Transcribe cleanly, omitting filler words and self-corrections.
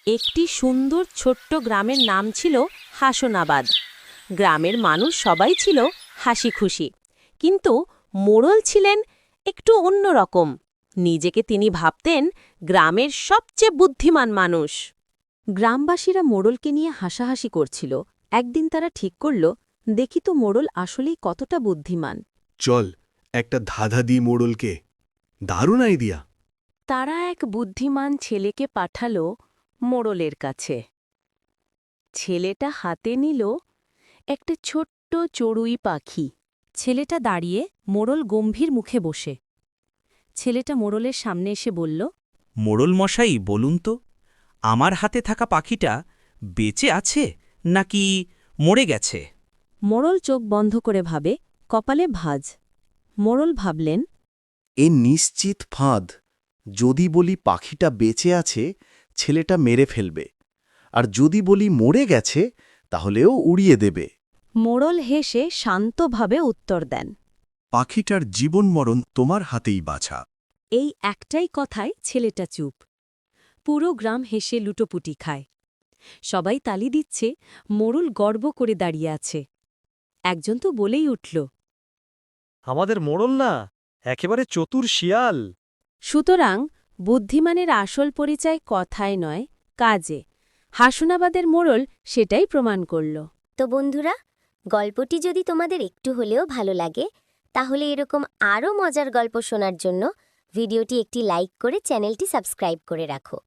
একটি সুন্দর ছোট্ট গ্রামের নাম ছিল হাসনাবাদ। গ্রামের মানুষ সবাই ছিল হাসি খুশি, কিন্তু মোড়ল ছিলেন একটু অন্যরকম। নিজেকে তিনি ভাবতেন গ্রামের সবচেয়ে বুদ্ধিমান মানুষ। গ্রামবাসীরা মোড়লকে নিয়ে হাসাহাসি করছিল। একদিন তারা ঠিক করল, দেখি তো মোড়ল আসলেই কতটা বুদ্ধিমান। চল একটা ধাঁধা দিই মোড়লকে। দারুণ আইডিয়া। তারা এক বুদ্ধিমান ছেলেকে পাঠালো মোড়লের কাছে। ছেলেটা হাতে নিল একটা ছোট্ট চড়ুই পাখি। ছেলেটা দাঁড়িয়ে মোড়ল গম্ভীর মুখে বসে। ছেলেটা মোড়লের সামনে এসে বলল, মোড়ল মশাই, বলুন তো, আমার হাতে থাকা পাখিটা বেঁচে আছে নাকি মরে গেছে? মোড়ল চোখ বন্ধ করে ভাবে, কপালে ভাঁজ। মোড়ল ভাবলেন, এ নিশ্চিত ফাঁদ। যদি বলি পাখিটা বেঁচে আছে, ছেলেটা মেরে ফেলবে, আর যদি বলি মরে গেছে, তাহলেও উড়িয়ে দেবে। মোড়ল হেসে শান্তভাবে উত্তর দেন, পাখিটার জীবন মরণ তোমার হাতেই বাছা। এই একটাই কথায় ছেলেটা চুপ। পুরো গ্রাম হেসে লুটোপুটি খায়। সবাই তালি দিচ্ছে, মোড়ল গর্ব করে দাঁড়িয়ে আছে। একজন তো বলেই উঠল, আমাদের মোড়ল না, একেবারে চতুর শিয়াল। সুতরাং বুদ্ধিমানের আসল পরিচয় কথায় নয়, কাজে। হাসনাবাদের মোড়ল সেটাই প্রমাণ করল। তো বন্ধুরা, গল্পটি যদি তোমাদের একটু হলেও ভালো লাগে, তাহলে এরকম আরও মজার গল্প শোনার জন্য ভিডিওটি একটি লাইক করে চ্যানেলটি সাবস্ক্রাইব করে রাখো।